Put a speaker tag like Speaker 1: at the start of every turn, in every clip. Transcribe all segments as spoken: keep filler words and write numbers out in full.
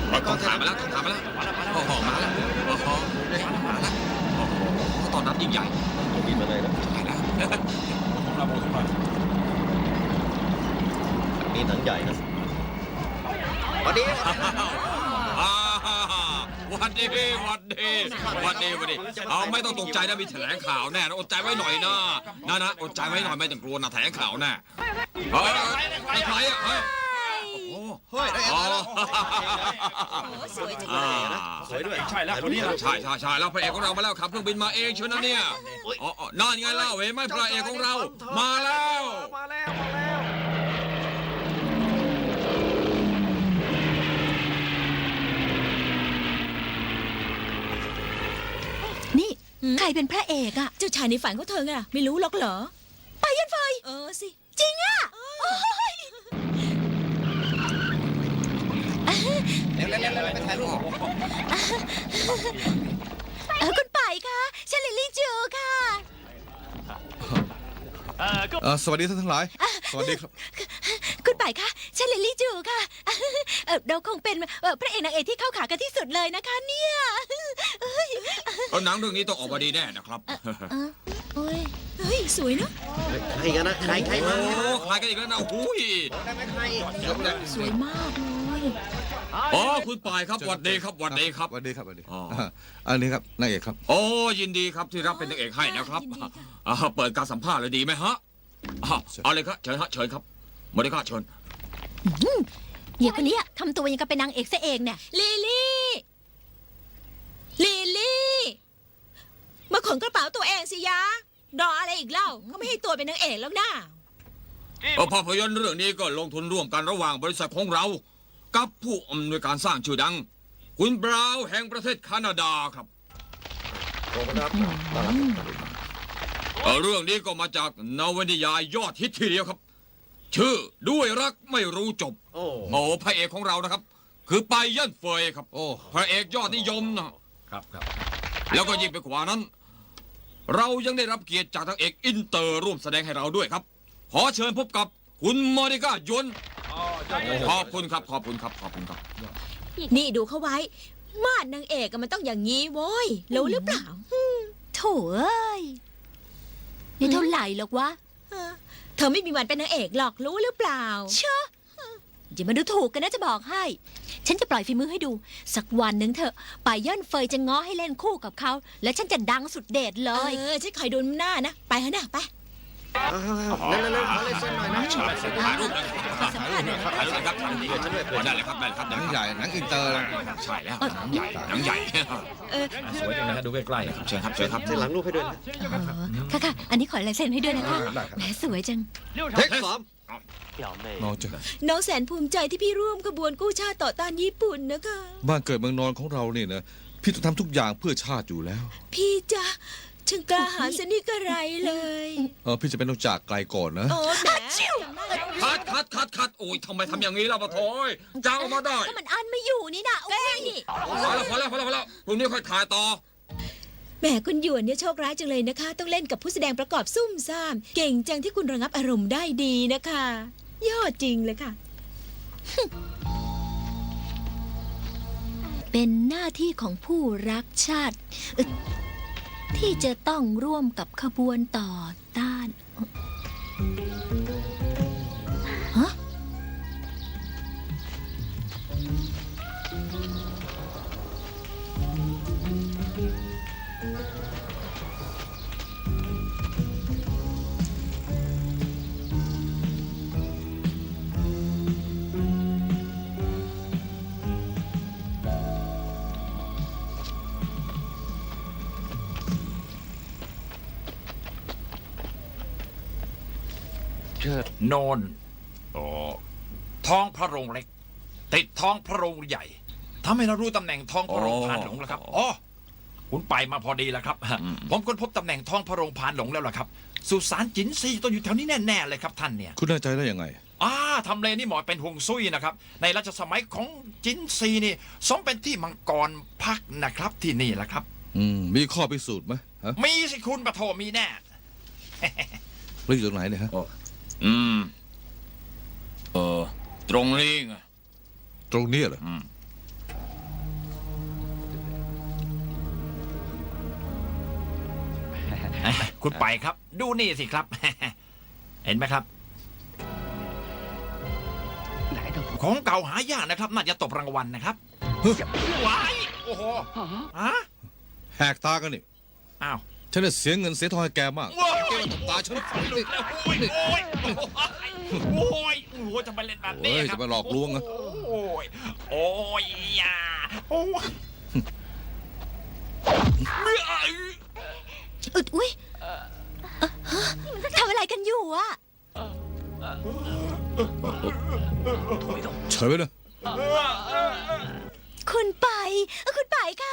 Speaker 1: ต้องถามมาแล้วต้องถามมาแล้วโอ้โหมาแล้วโอ้โหมาแล้วโอ้โหตอนนั้นยิ่งใหญ่
Speaker 2: บินมาเลยนะ
Speaker 1: ใช่แล้ว
Speaker 3: ของเราโมทุกหน่อย
Speaker 2: นี่หนังใหญ่นะวันนี้
Speaker 1: อ่าวันดีวันดีวันดีวันดีเอาไม่ต้องตกใจนะมีแถลงข่าวแน่นะอดใจไว้หน่อยนะนะนะอดใจไว้หน่อยไม่ต้องกลัวนะแถลงข่าวแน่เฮ้ยไอ้ใครอ่ะเฮ้ยโอ้โห
Speaker 2: เฮ้ยได้
Speaker 1: อ๋อ
Speaker 4: สวยจัง
Speaker 1: อ่า
Speaker 2: สวยด้วย
Speaker 3: ใช่แล้วคนนี้แหละ
Speaker 1: ใช่ใช่ใช่แล้วพระเอกของเรามาแล้วขับเครื่องบินมาเองเชียวนะเนี่ยอ๋อนั่นไงเล่าเห็นไหมพระเอกของเรามาแล้ว
Speaker 2: มาแล้วมาแล้ว
Speaker 4: นี่ใครเป็นพระเอกอะ
Speaker 5: เจ้าชายในฝันของเธอไงไม่รู้หรอกเหรอ
Speaker 4: ไปยันไฟ
Speaker 5: เออสิ
Speaker 4: จริงอะโอ้ย
Speaker 2: เร็วเร็วเร็วไปถ่ายรูป
Speaker 4: เออคุณไปคะฉันลิลลี่จูค่ะ
Speaker 6: เอ่อสวัสดีท่านทั้งหลาย สวัสดีครับ
Speaker 4: คุณไปคะฉันลิลลี่จูค่ะเออเราคงเป็นเอ่อพระเอกนางเอกที่เข้าขากันที่สุดเลยนะคะเนี่ยเอ้ย
Speaker 1: เอาหนังเรื่องนี้ต้องออกมาดีแน่นะครับ
Speaker 4: เออโอ้ย
Speaker 5: เฮ้ยสวยเนอะ
Speaker 2: ใครกันนะใครใคร
Speaker 1: โอ้
Speaker 2: มา
Speaker 1: ใครกันอีกแล้วนะหุย
Speaker 2: ได้ไหมใคร
Speaker 4: สวยมากเลย
Speaker 1: อ๋อคุณปายครับหวัดดีครับหวัดดีครับ
Speaker 6: สวัสดีครับสวัสดี
Speaker 1: อ๋อ
Speaker 6: าอันนี้ครับนางเอกครับ
Speaker 1: โอ้ยินดีครับที่รับเป็นนางเอกให้นะครับอ่าเปิดการสัมภาษณ์เลยดีไหมฮะอ่าเอาเลยครับเชิญฮะเชิญครับมาเลยครับเชิญ
Speaker 4: เหี้ยคนนี้ทำตัวยังกับเป็นนางเอกซะเองเนี่ย
Speaker 5: ลิลลี่ลิลลี่มาขนกระเป๋าตัวเองสิยะรออะไรอีกเล่าเขาไม่ให้ตัวเป็นนางเอกแล้วนะ
Speaker 1: เออภาพยนตร์เรื่องนี้ก็ลงทุนร่วมกันระหว่างบริษัทของเรา กับผู้อำนวยการสร้างชื่อดัง คุณบราวน์แห่งประเทศแคนาดาครับ
Speaker 2: ขอบคุณครับต้อนรับ
Speaker 1: เออเรื่องนี้ก็มาจากนวนิยายยอดฮิตทีเดียวครับ ชื่อด้วยรักไม่รู้จบ
Speaker 2: โอ้
Speaker 1: โอ้พระเอกของเรานะครับ คือไปยันเฟยครับ
Speaker 6: โอ้
Speaker 1: พระเอกยอดนิยมนะครับ
Speaker 3: ครับ
Speaker 1: แล้วก็ยิ่งไปกว่านั้น เรายังได้รับเกียรติจากทางเอกอินเตอร์ร่วมแสดงให้เราด้วยครับ ขอเชิญพบกับคุณมอนิก้ายนขอบคุณครับขอบคุณครับขอบคุณครับ
Speaker 5: นี่ดูเขาไว้มาดนางเอกอะมันต้องอย่างนี้โว้ยรู้หรือเปล่า
Speaker 4: โถเอ้ยนี่เท่าไหร่หรอกวะ
Speaker 5: เออเธอไม่มีวันเป็นนางเอกหรอกรู้หรือเปล่า
Speaker 4: เชอะอย่ามาดูถูกกันนะจะบอกให้ ฉันจะปล่อยฝีมือให้ดู สักวันหนึ่งเถอะป่าย่อนเฟยจะง้อให้เล่นคู่กับเขา และฉันจะดังสุดเด็ดเล
Speaker 5: เอย อฉันคอยดูหน้านะไปเถอะนะไป
Speaker 2: เร็วเร็วเร็วขอเลยเส้นหน่อยนะ
Speaker 1: ถ่ายรูปนะครับถ่ายรูปนะครับถ่ายรูปนะครับถ่ายรูปนะครับได้เลยครับได้เลยครับ
Speaker 6: หนังใหญ่หนังอินเตอร์นะ
Speaker 1: ใช่แล้วหนังใหญ่หนังใหญ่
Speaker 3: สวยจังนะฮะดูใกล้ๆครับ
Speaker 1: เชิญครับเชิญครับ
Speaker 2: เส้นหลังรูปให้ด้วยนะ
Speaker 4: อ๋อค่ะค่ะ อันนี้ขอลายเซ็นให้ด้วยนะคะ
Speaker 6: ได้ครับ
Speaker 4: แหมสวยจัง
Speaker 2: เทคสาม
Speaker 6: น้องเจอ
Speaker 5: น้องแสนภูมิใจที่พี่ร่วมขบวนกู้ชาติต่อต้านญี่ปุ่นนะคะ
Speaker 6: บ้านเกิดเมืองนอนของเราเนี่ยนะพี่ต้องทำทุกอย่างเพื่อชาติอยู่แล้ว
Speaker 5: พี่จ๊ะช่างกล้าหาญสนิทกระไรเลย
Speaker 6: เออพี่จะเป็นต้องจากไกลก่อนนะ
Speaker 5: โอ้แหม
Speaker 1: คัดคัดคัดคัดโอ้ยทำไมทำอย่างนี้ล่ะปะโถยจ้างออกมาได้
Speaker 4: ก็มันอันไม่อยู่นี่นะโอ้ย
Speaker 1: พอแล้วพอแล้วพอแล้วพอแล้วพรุ่งนี้ค่อยถ่ายต่อ
Speaker 5: แหมคุณหยวนเนี่ยโชคร้ายจังเลยนะคะ ต้องเล่นกับผู้แสดงประกอบซุ่มซ่าม เก่งจังที่คุณระงับอารมณ์ได้ดีนะคะ ยอดจริงเลยค่ะ
Speaker 4: เป็นหน้าที่ของผู้รักชาติเอ่อที่จะต้องร่วมกับขบวนต่อต้านฮะ
Speaker 3: โนนอ๋อท้องพระโรงเล็ก ติดท้องพระโรงใหญ่ทำให้เรารู้ตำแหน่งท้องพระโรงพานหลงแล้วครับอ๋อคุณไปมาพอดีแล้วครับ ผมค้นพบตำแหน่งท้องพระโรงพานหลงแล้วล่ะครับ สุสานจินซีต้องอยู่แถวนี้แน่ๆเลยครับท่านเนี่ย
Speaker 6: คุณแน่ใจได้ยังไง
Speaker 3: อ่าทำเลนี่เหมาะเป็นห่วงซุยนะครับ ในรัชสมัยของจินซีนี่สมเป็นที่มังกรพักนะครับที่นี่แหละครับ
Speaker 6: อืมมีข้อพิสูจน์ไหมฮะ
Speaker 3: มีสิคุณปะโทมีแน่
Speaker 6: แล้วอยู่ตรงไหนเนี่ยฮะ
Speaker 1: อืมเออตรงนี้ไง
Speaker 6: ตรงนี้เหรอ
Speaker 1: อืม
Speaker 3: คุณไปครับ ดูนี่สิครับ เห็นไหมครับ ของเก่าหายากนะครับ น่าจะตบรางวัลนะครับว้ายโอ้โหฮะ
Speaker 6: แหกตากันนี่
Speaker 3: อ้าว
Speaker 6: ฉันจะเสียเงินเสียทองให้แกมาก
Speaker 3: ว้าย
Speaker 6: แกมาตบตาฉัน
Speaker 3: โอ้ยโอ้ยโอ้ยโอ้ยโอ้ยจะไปเล่นแบบนี้
Speaker 6: เฮ้ย
Speaker 3: ครับ
Speaker 6: จะไปหลอกลวงอะ
Speaker 3: โอ้ยโอ้ยอย่าโอ้ย
Speaker 4: อึดอุ้ยเอ่อฮะทำอะไรกันอยู่อะ
Speaker 6: เฉยไว้นะ
Speaker 4: คุณไปเอ่อคุณไปคะ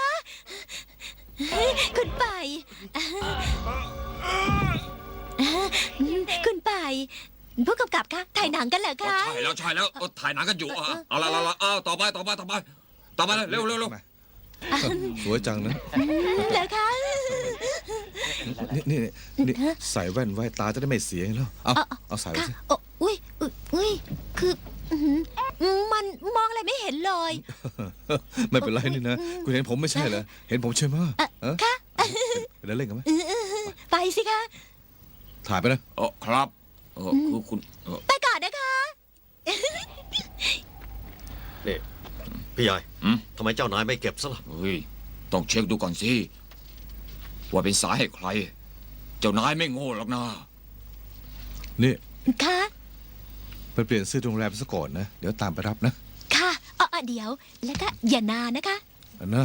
Speaker 4: คุณไปเอ่อคุณไปผู้กำกับคะถ่ายหนังกันเหรอ
Speaker 1: ก็
Speaker 4: คะ
Speaker 1: ใช่แล้วใช่แล้วเออถ่ายหนังกันอยู่อ่ะเอาละเอาละเอาต่อไปต่อไปต่อไปต่อไปเร็วเร็วเร็ว
Speaker 6: สวยจังนะ
Speaker 4: เหรอคะ
Speaker 6: นี่นี่นี่ใส่แว่นไว้ตาจะได้ไม่เสียแล้ว เอาเอาใส่ไว้
Speaker 4: ค่ะ
Speaker 6: สิ
Speaker 4: โอ้อุ้ยอุ๊ยอุ้ยคืออื้อหือมันมองอะไรไม่เห็นเลย
Speaker 6: ไม่เป็นไรนี่นะ คุณเห็นผมไม่ใช่เหรอ เห็นผมใช่ไหม
Speaker 4: เอ่อ
Speaker 6: เออ
Speaker 4: ค่ะ
Speaker 6: ไปเล่นกันไหม
Speaker 4: เออเออเออไปสิคะ
Speaker 6: ถ่ายไปนะ
Speaker 1: เออครับเออคือคุณเออ
Speaker 4: ไปก่อนนะคะ
Speaker 2: นี่พี่ใหญ่
Speaker 1: อืม
Speaker 2: ทำไมเจ้านายไม่เก็บซะล่ะ
Speaker 1: เฮ้ยต้องเช็คดูก่อนสิว่าเป็นสายให้ใคร เจ้านายไม่โง่หรอกนะ
Speaker 6: นี่
Speaker 4: ค่ะ
Speaker 6: ไปเปลี่ยนเสื้อโรงแรมซะก่อนนะ เดี๋ยวตามไปรับนะ
Speaker 4: ค่ะเออเออเดี๋ยว แล้วก็อย่านานนะคะ
Speaker 6: อันนะ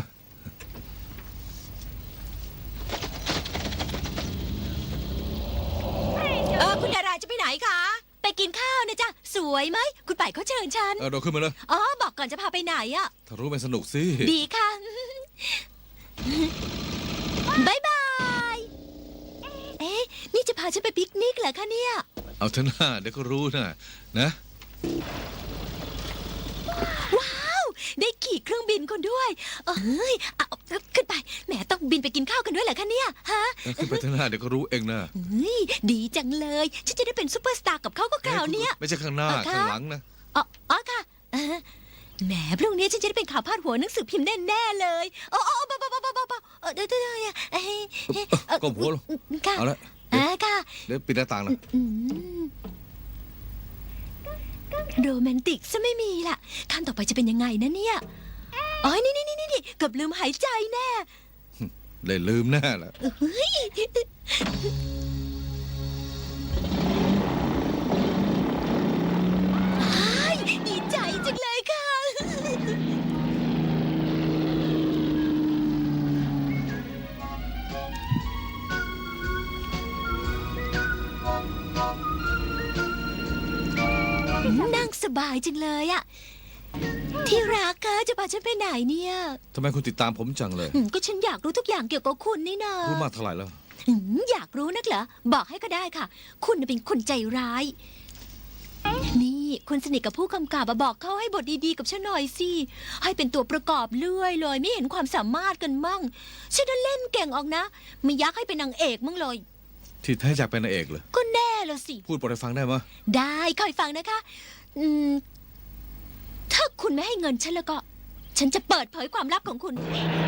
Speaker 5: เออคุณดาราจะไปไหนคะ
Speaker 4: ไปกินข้าวนะจ๊ะ สวยไหม คุณป่ายเขาเชิญฉัน
Speaker 6: เออเราขึ้นมาเลย
Speaker 4: อ๋อ บอกก่อนจะพาไปไหนอะ
Speaker 6: ถ้ารู้มันสนุกสิ
Speaker 4: ดีค่ะ บายบาย เอ๊ะ นี่จะพาฉันไปปิกนิกเหรอคะเนี่ย
Speaker 6: เอาเถอะนะเดี๋ยวก็รู้นะนะ
Speaker 4: ว้าว ได้ขี่เครื่องบินคนด้วย เอ้ยเอาเอาขึ้นไป แหมต้องบินไปกินข้าวกันด้วยเหรอคะเนี่ย ฮะ
Speaker 6: เออขึ้นไปเถอะนะเดี๋ยวก็รู้เองนะ
Speaker 4: เฮ้ย ดีจังเลย ฉันจะได้เป็นซูเปอร์สตาร์กับเขาก็คราวเนี้ย
Speaker 6: ไม่ใช่ข้างหน้า
Speaker 4: เออค่ะ
Speaker 6: ข้างหลังนะ
Speaker 4: อ๋ออ๋อค่ะเออแหมพรุ่งนี้ฉันจะได้เป็นข่าวพาดหัวหนังสือพิมพ์แน่ๆเลยอ๋ออ๋อเบาเบาเบาเบาเบาเออเดี๋ยวเดี๋ยวเดี๋ยวเอ้ยเอ้ยเอ่อ
Speaker 6: ก้มหัวลง
Speaker 4: ค่ะ
Speaker 6: เอาละ
Speaker 4: อ่าค่ะ
Speaker 6: เดี๋ยวปิดหน้าต่างนะ
Speaker 4: อืมโรแมนติกซะไม่มีล่ะขั้นต่อไปจะเป็นยังไงนะเนี่ยอ๋อนี่นี่นี่นี่เกือบลืมหายใจแน่
Speaker 6: เลยลืมแน่แหละ
Speaker 4: เฮ้ยอ้ายดีใจจังเลยค่ะ นั่งสบายจังเลยอะที่รักคะจะพาฉันไปไหนเนี่ย
Speaker 6: ทำไมคุณติดตามผมจังเลย
Speaker 4: อืมก็ฉันอยากรู้ทุกอย่างเกี่ยวกับคุณนี่นา
Speaker 6: รู้มากเท่าไหร่แล้ว
Speaker 4: อืมอยากรู้นักเหรอ บอกให้ก็ได้ค่ะ คุณน่ะเป็นคนใจร้าย นี่คุณสนิทกับผู้กำกับอะบอกเขาให้บทดีๆกับฉันหน่อยสิ ให้เป็นตัวประกอบเลื่อยเลย ไม่เห็นความสามารถกันมั่ง ฉันน่ะเล่นเก่งออกนะ ไม่อยากให้เป็นนางเอกมั่งเลย
Speaker 6: ที่แท้อยากเป็นนางเอกเลย
Speaker 4: ก็แน่ละสิ
Speaker 6: พูดบทให้ฟังได้ไหม
Speaker 4: ได้คอยฟังนะคะ อืม ถ้าคุณไม่ให้เงินฉันแล้วก็ ฉันจะเปิดเผยความลับของคุณ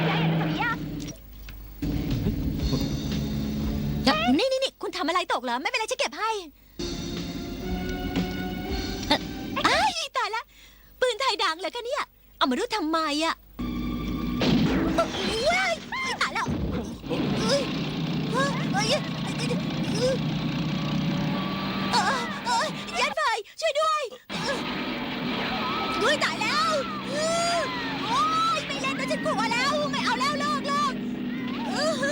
Speaker 4: นี่นี่นี่คุณทำอะไรตกเหรอ ไม่เป็นไรฉันเก็บให้เอ่ออ้ายตายละ ปืนไทยดังเหรอคะเนี่ย เอามาดูทำไมอะเอ้ยว้ายตายแล้วเอ้ยเอ้ยเอ้ยเอ้ยเอ้ยเอ้ยยัดไฟช่วยด้วยเอ้ยตายแล้วเอ้ยโอ้ยไม่เล่นแล้วฉันกลัวแล้ว ไม่เอาแล้วเลิกเลิกเอ้ย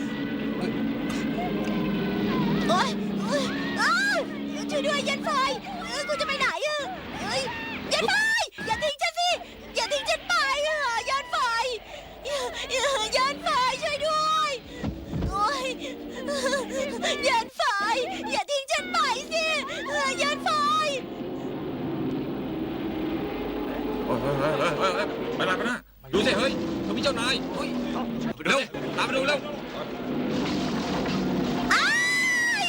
Speaker 4: โอ้ยโอ้ยอ้าวช่วยด้วยยัดไฟเอ้ยกูจะไปไหนอะเอ้ยยัดไฟอย่าทิ้งฉันสิอย่าทิ้งฉันไปอะยัดไฟยัดไฟช่วยด้วยโอ้ยยัดไฟอย่าทิ้งฉันไปสิยัดไฟ
Speaker 1: เฮ้ยเฮ้ยเฮ้ยเฮ้ยเฮ้ยไปไหนไปไหนดูสิเฮ้ยเขามีเจ้านายเฮ้ยเร็วตามไปดูเร็ว
Speaker 4: อ้าย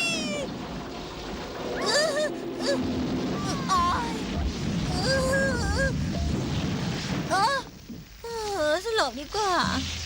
Speaker 4: อื้ออื้ออ้ายอื้อเออเออสลบดีกว่า